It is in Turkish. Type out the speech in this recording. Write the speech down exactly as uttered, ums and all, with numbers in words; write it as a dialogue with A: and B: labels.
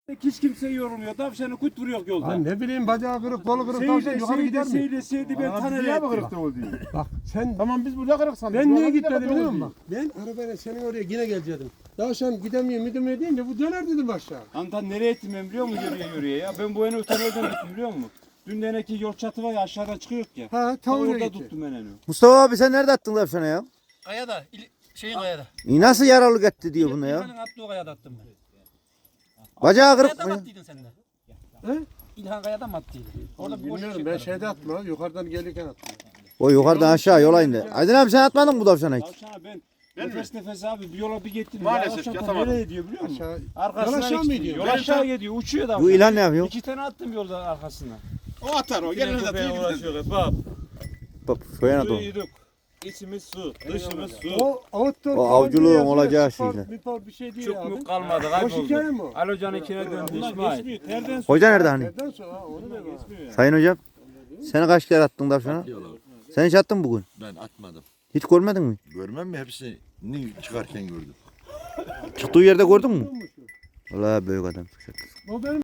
A: Hiç kimse yorulmuyor. Tavşanı kut vuruyor yolda.
B: Lan ne bileyim bacağı kırık, kolu kırık tavşan
A: Seyde,
B: yukarı gider
A: seyde,
B: mi?
A: seyde, seyde ben
C: Aa,
A: tanır
C: niye mi
A: ettim.
C: kırıktı o diyor?
B: Bak sen
C: Tamam biz burada kırık sandık.
B: ben niye
C: Buralar
B: gitmedim
C: bir
B: biliyor
C: de
B: musun? Bak ben arabayla senin oraya yine gelecektim. Tavşan gidemiyor müdürmüyor deyince bu döner dedim aşağı.
A: Antan nereye ettim ben biliyor musun yürüye yürüye ya? Ben bu eni ötelerden tuttum biliyor musun? Dün deneki yol çatı var ya aşağıdan çıkıyor ya.
B: Ha
A: Ta
B: tavuğuna
A: orada
B: gitti.
A: tuttum ben eni.
D: Mustafa abi sen nerede attın tavşanı ya?
E: Kayada, il- şeyin kayada.
D: İyi, nasıl yaralık etti diyor buna ya?
E: İlhan'ın attığı kayada attım ben.
D: Bacağı kırık
E: Kayada mı
D: mı?
E: attıydın sen de?
B: He?
E: İlhan kayada mı attıydın? Orada bir boş
B: Bilmiyorum
E: şey
B: ben
E: var.
B: şeyde atma yukarıdan gelirken attım.
D: O yukarıdan aşağı yola indi. Aydın abi sen atmadın mı bu tavşana hiç?
A: Tavşana ben nefes nefes abi bir yola bir gittim.
C: Maalesef
A: ya, tavşan
C: yatamadım.
A: nereye gidiyor biliyor musun?
B: Aşağı.
A: Arkasından
B: Yol aşağı mı
A: gidiyor.
B: gidiyor?
A: Yol aşağı gidiyor. Uçuyor da.
D: Bu ilan ne yapıyor?
A: İki tane attım yolda arkasından.
C: O atar o. Gelene de
F: Köpeğe
C: değil.
F: uğraşıyoruz. Bak,
D: Bak soyan adam.
F: suyu İçimiz su, dışımız su.
B: O outdoor
D: O
B: falan
D: avculuğun
B: diye yazıyor,
D: olacağı
B: spor,
D: şeyler.
B: spor bir şey değil
A: Çok
B: abi.
A: mu kalmadı
B: Boş hikaye
A: kayboldu.
B: mi o?
A: Ali Hoca'nın ikine döndü İsmail.
F: Terden su.
D: Hoca nerede hani?
B: Nereden sonra ha, onu da var.
D: Sayın hocam. Sen kaç kere attın tavşana? Sen hiç attın mı bugün?
G: Ben atmadım.
D: Hiç görmedin mi?
G: Görmem mi hepsini çıkarken gördüm.
D: Çıktığı yerde gördün mü? Vallahi büyük adam.
B: O benim